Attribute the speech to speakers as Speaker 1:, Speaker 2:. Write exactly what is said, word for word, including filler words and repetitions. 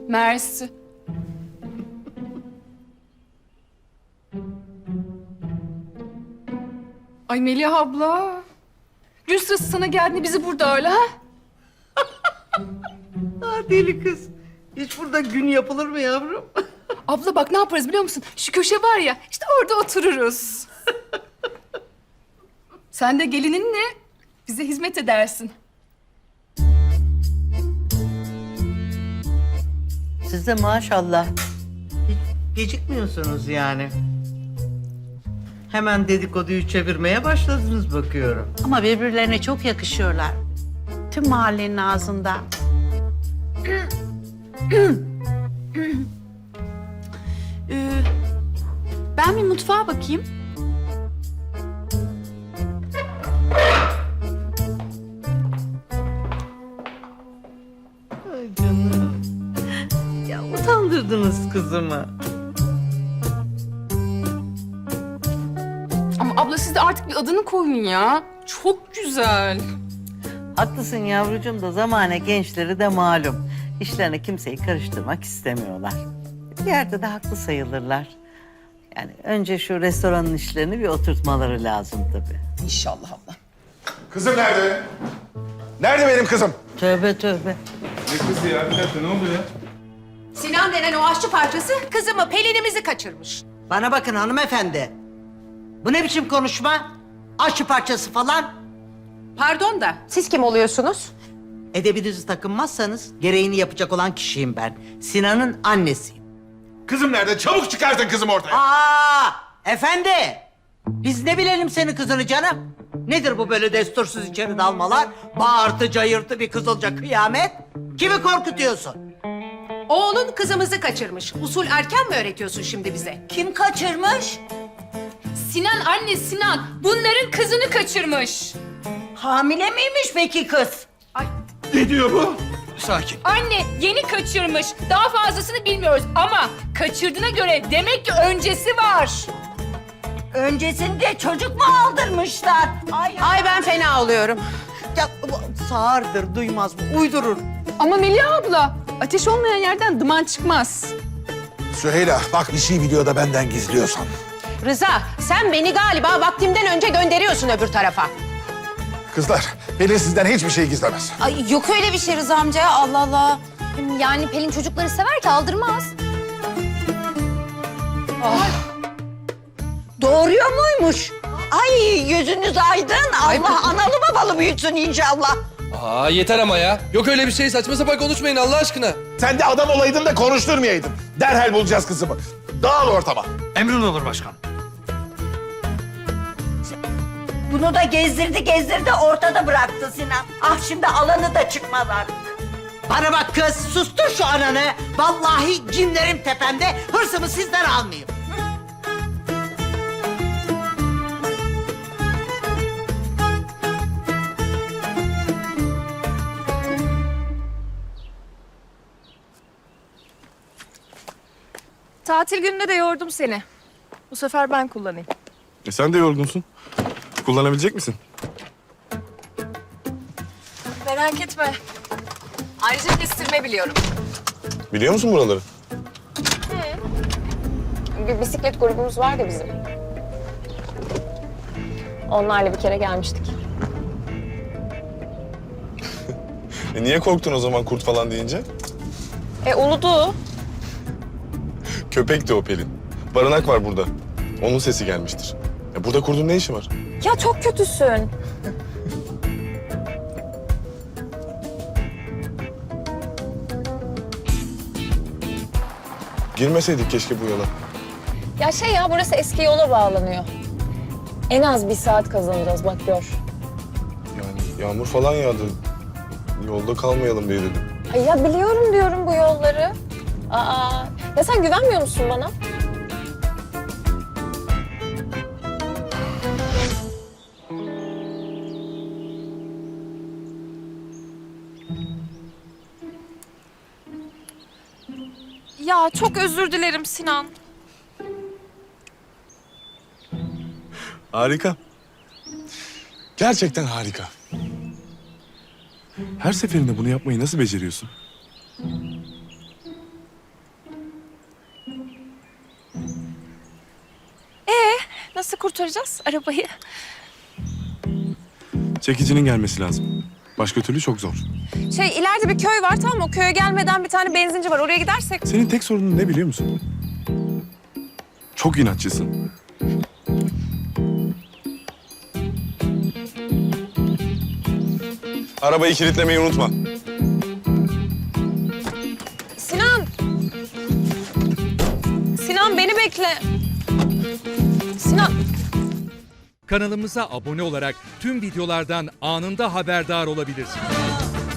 Speaker 1: Mersi. Ay Melih abla. Gün sırası sana geldiğinde bizi burada öyle ha?
Speaker 2: Ah deli kız. Hiç burada gün yapılır mı yavrum?
Speaker 1: Abla bak ne yaparız biliyor musun? Şu köşe var ya, işte orada otururuz. Sen de gelininle bize hizmet edersin.
Speaker 2: Siz de maşallah. Hiç gecikmiyorsunuz yani. Hemen dedikoduyu çevirmeye başladınız bakıyorum.
Speaker 3: Ama birbirlerine çok yakışıyorlar. Tüm mahallenin ağzında. Ee, ben bir mutfağa bakayım.
Speaker 2: Ay canım. Ya utandırdınız kızımı.
Speaker 1: Ama abla siz de artık bir adını koyun ya. Çok güzel.
Speaker 2: Haklısın yavrucuğum da zamane gençleri de malum. İşlerine kimseyi karıştırmak istemiyorlar. Bir yerde de haklı sayılırlar. Yani önce şu restoranın işlerini bir oturtmaları lazım tabii.
Speaker 1: İnşallah abla.
Speaker 4: Kızım nerede? Nerede benim kızım?
Speaker 2: Tövbe tövbe.
Speaker 4: Ne kızı ya? Bir dakika ne oluyor ya?
Speaker 5: Sinan denen o aşçı parçası kızımı, Pelin'imizi kaçırmış.
Speaker 2: Bana bakın hanımefendi. Bu ne biçim konuşma? Aşçı parçası falan.
Speaker 5: Pardon da siz kim oluyorsunuz?
Speaker 2: Edebinizi takınmazsanız gereğini yapacak olan kişiyim ben. Sinan'ın annesiyim.
Speaker 4: Kızım nerede? Çabuk çıkartın kızım ortaya.
Speaker 2: Aa, efendi. Biz ne bilelim senin kızını canım? Nedir bu böyle destursuz içeri dalmalar? Bağırtı cayırtı bir kızılca kıyamet. Kimi korkutuyorsun?
Speaker 5: Oğlun kızımızı kaçırmış. Usul erken mi öğretiyorsun şimdi bize?
Speaker 2: Kim kaçırmış?
Speaker 1: Sinan anne Sinan bunların kızını kaçırmış.
Speaker 2: Hamile miymiş peki kız?
Speaker 4: Ne diyor bu? Sakin.
Speaker 1: Anne yeni kaçırmış. Daha fazlasını bilmiyoruz ama kaçırdığına göre demek ki öncesi var.
Speaker 2: Öncesinde çocuk mu aldırmışlar? Ay,
Speaker 5: Ay ben fena oluyorum.
Speaker 2: ya, bu sağırdır, duymaz mı? Uydurur.
Speaker 1: Ama Melih abla ateş olmayan yerden duman çıkmaz.
Speaker 4: Süheyla bak bir şey biliyor da benden gizliyorsan.
Speaker 5: Rıza sen beni galiba vaktimden önce gönderiyorsun öbür tarafa.
Speaker 4: Kızlar Pelin sizden hiçbir şey gizlemez.
Speaker 6: Ay yok öyle bir şey Rıza amca ya, Allah Allah. Hem yani Pelin çocukları sever ki aldırmaz.
Speaker 7: Doğuruyor muymuş? Ay yüzünüz aydın. Allah analı babalı büyütsün inşallah.
Speaker 8: Aa yeter ama ya. Yok öyle bir şey, saçma sapan konuşmayın Allah aşkına.
Speaker 4: Sen de adam olaydın da konuşturmayaydın. Derhal bulacağız kızımı. Dağıl ortama.
Speaker 9: Emrin olur başkan.
Speaker 7: Bunu da gezdirdi gezdirdi ortada bıraktı Sinan. Ah şimdi alanı da çıkmalar.
Speaker 2: Bana bak kız, sustur şu ananı. Vallahi cinlerim tepemde, hırsımı sizden almayayım.
Speaker 10: Tatil gününde de yordum seni. Bu sefer ben kullanayım.
Speaker 4: E sen de yorgunsun. Kullanabilecek misin?
Speaker 10: Merak etme. Ayrıca kestirme biliyorum.
Speaker 4: Biliyor musun buraları?
Speaker 10: Bir bisiklet grubumuz vardı bizim. Onlarla bir kere gelmiştik.
Speaker 4: E niye korktun o zaman kurt falan deyince?
Speaker 10: E uludu.
Speaker 4: Köpekti o Pelin. Barınak var burada. Onun sesi gelmiştir. E burada kurdun ne işi var?
Speaker 10: Ya çok kötüsün.
Speaker 4: Girmeseydik keşke bu yola.
Speaker 10: Ya şey ya burası eski yola bağlanıyor. En az bir saat kazanacağız bak gör.
Speaker 4: Yani yağmur falan yağdı. Yolda kalmayalım diye dedim.
Speaker 10: Ay ya biliyorum diyorum bu yolları. Aa, ya sen güvenmiyor musun bana?
Speaker 6: Ya çok özür dilerim Sinan.
Speaker 4: Harika. Gerçekten harika. Her seferinde bunu yapmayı nasıl beceriyorsun?
Speaker 9: nasıl kurtaracağız arabayı?
Speaker 4: Çekicinin gelmesi lazım. Başka türlü çok zor.
Speaker 9: Şey ileride bir köy var tamam mı? O köye gelmeden bir tane benzinci var. Oraya gidersek.
Speaker 4: Senin tek sorunun ne biliyor musun? Çok inatçısın. Arabayı kilitlemeyi unutma.
Speaker 9: Sinan! Sinan beni bekle. Sinan!
Speaker 11: Kanalımıza abone olarak tüm videolardan anında haberdar olabilirsiniz.